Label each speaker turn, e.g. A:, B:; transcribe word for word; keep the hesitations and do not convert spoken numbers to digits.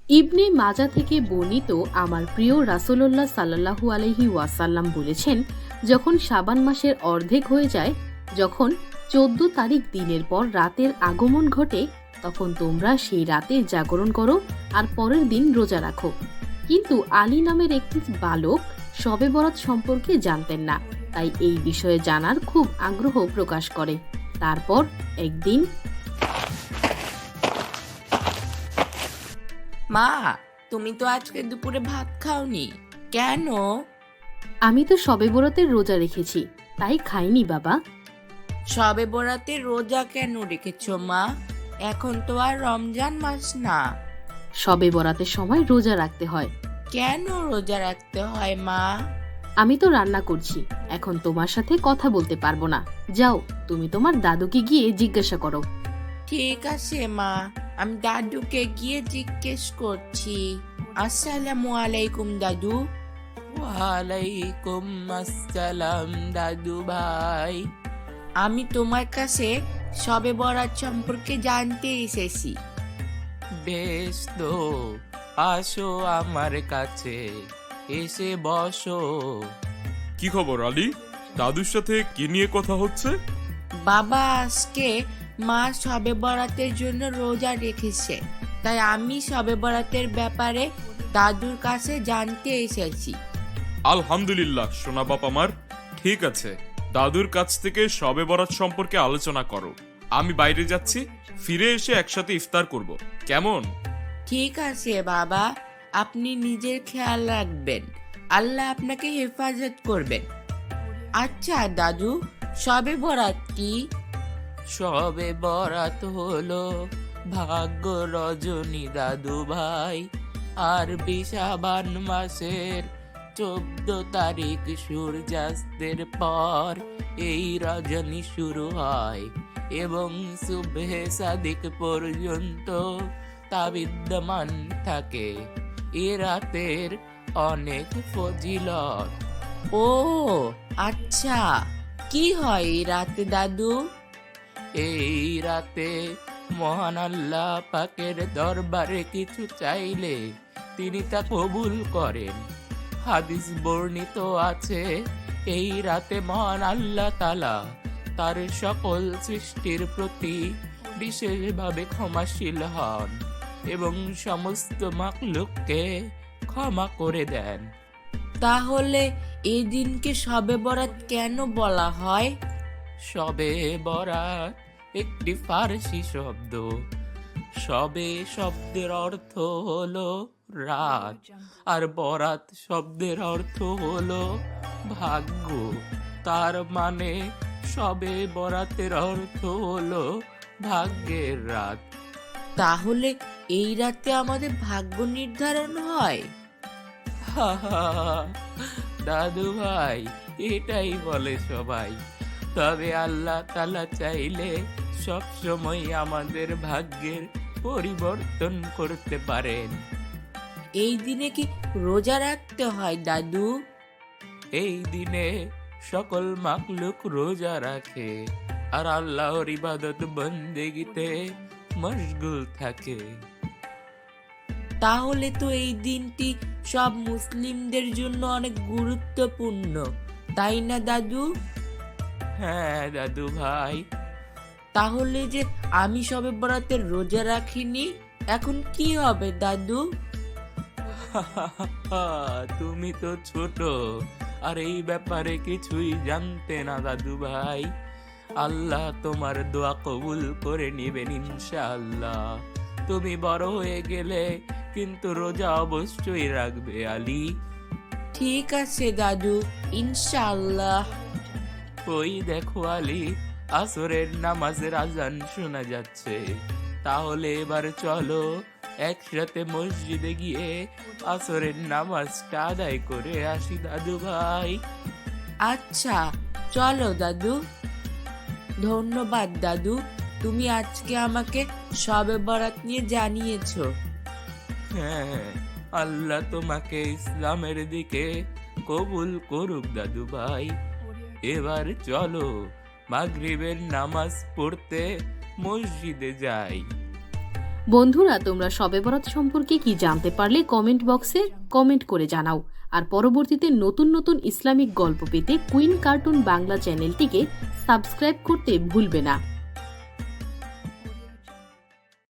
A: ইবনে মাজা থেকে বর্ণিত আমার প্রিয় রাসূলুল্লাহ সাল্লাল্লাহু আলাইহি ওয়াসাল্লাম বলেছেন, যখন শাবান মাসের অর্ধেক হয়ে যায়, যখন চোদ্দ তারিখ দিনের পর রাতের আগমন ঘটে, তখন তোমরা সেই রাতে জাগরণ করো আর পরের দিন রোজা রাখো। কিন্তু আলী নামের একটি বালক শবে বরাত সম্পর্কে জানতেন না, তাই এই বিষয়ে জানার খুব আগ্রহ প্রকাশ করে। তারপর একদিন,
B: মা, তুমি তো আজকে দুপুরে ভাত খাওনি কেন?
A: আমি তো শবে বরাতের রোজা রেখেছি, তাই খাইনি বাবা।
B: সবে বরাতে রোজা কেন রেখেছো মা? এখন তো আর রমজান মাস না।
A: শবে বরাতের সময় রোজা রাখতে হয়।
B: কেন রোজা রাখতে হয় মা?
A: আমি তো রান্না করছি, এখন তোমার সাথে কথা বলতে পারবো না। যাও, তুমি তোমার দাদুকে গিয়ে জিজ্ঞাসা করো।
B: ঠিক আছে মা, আমি দাদুকে গিয়ে জিজ্ঞেস করছি। আসসালামু আলাইকুম দাদু। ওয়ালাইকুম আসসালাম দাদু ভাই। আমি তোমার কাছে শবে বরাত সম্পর্কে জানতে এসেছি। বেশ তো, আসো আমার কাছে, এসে বসো।
C: কি খবর আলী? দাদুর সাথে কি নিয়ে কথা হচ্ছে?
B: বাবা, আজকে মা শবে বরাতের জন্য রোজা রেখেছে, তাই আমি শবে বরাতের ব্যাপারে দাদুর কাছে জানতে এসেছি।
C: আলহামদুলিল্লাহ সোনা বাপ আমার, ঠিক আছে, দাদুর কাছ থেকে শবে বরাত সম্পর্কে আলোচনা করো। আমি বাইরে যাচ্ছি, ফিরে এসে একসাথে ইফতার করব, কেমন?
B: ঠিক আছে বাবা, আপনি নিজের খেয়াল রাখবেন, আল্লাহ আপনাকে হেফাজত করবেন। আচ্ছা দাদু, শবে বরাত কি? শবে বরাত হলো ভাগ্য রজনী দাদু ভাই। আর শাবান মাসের চোদ্দ তারিখ সূর্যাস্তের পর এই রজনী শুরু হয় এবং সুবহে সাদিক পর্যন্ত তা বিদ্যমান থাকে। এ রাতের অনেক ফজিলত। ও আচ্ছা, কি হয় এই রাতে দাদু? এই রাতে মহান আল্লাহ পাকের দরবারে কিছু চাইলে তিনি তা কবুল করেন। হাদিস বর্ণিত আছে, এই রাতে মহান আল্লাহ তাআলা তার সকল সৃষ্টির প্রতি বিশেষভাবে ক্ষমাশীল হন এবং সমস্ত মাখলুককে ক্ষমা করে দেন। তাহলে এই দিনকে শবে বরাত কেন বলা হয়? শবে বরাত একটি ফারসি শব্দ। শবে শব্দের অর্থ হলো রাত, আর বরাত শব্দের অর্থ হলো ভাগ্য। তার মানে শবে বরাতের অর্থ হলো ভাগ্যের রাত। তাহলে এই রাতে আমাদের ভাগ্য নির্ধারণ হয়? দাদু ভাই, এটাই বলে সবাই, তবে আল্লাহ তাআলা চাইলে সব সময় আমাদের ভাগ্যের পরিবর্তন করতে পারেন। এই দিনে কি রোজা রাখতে হয় দাদু? এই দিনে সকল মাখলুক রোজা রাখে আর আল্লাহর ইবাদত বন্দেগীতে মশগুল থাকে। তাহলে তো এই দিনটি সব মুসলিমদের জন্য অনেক গুরুত্বপূর্ণ, তাই না দাদু? হ্যাঁ দাদু ভাই। তাহলে যে আমি শবে বরাতের রোজা রাখিনি, এখন কি হবে দাদু? তুমি তো ছোট আর এই ব্যাপারে কিছুই জানতে না দাদু ভাই। আল্লাহ তোমার দোয়া কবুল করে নেবেন ইনশাআল্লাহ। তুমি বড় হয়ে গেলে কিন্তু রোজা অবশ্যই রাখবে আলী। ঠিক আছে দাদু, ইনশাআল্লাহ। ওই দেখো আলী, আসরের নামাজের আজান শোনা যাচ্ছে। তাহলে এবার চলো একসাথে মসজিদে গিয়ে আসরের নামাজটা আদায় করে আসি দাদু ভাই। আচ্ছা চলো দাদু। ধন্যবাদ দাদু, তুমি আজকে আমাকে শবে বরাত নিয়ে জানিয়েছো। হ্যাঁ, আল্লাহ তোমাকে ইসলামের দিকে কবুল করুক দাদু ভাই। এবার চলো মাগরিবের নামাজ পড়তে মসজিদে যাই।
A: বন্ধুরা, তোমরা শবে বরাত সম্পর্কে কি জানতে পারলে কমেন্ট বক্সে কমেন্ট করে জানাও। আর পরবর্তীতে নতুন নতুন ইসলামিক গল্প পেতে কুইন কার্টুন বাংলা চ্যানেলটিকে সাবস্ক্রাইব করতে ভুলবে না।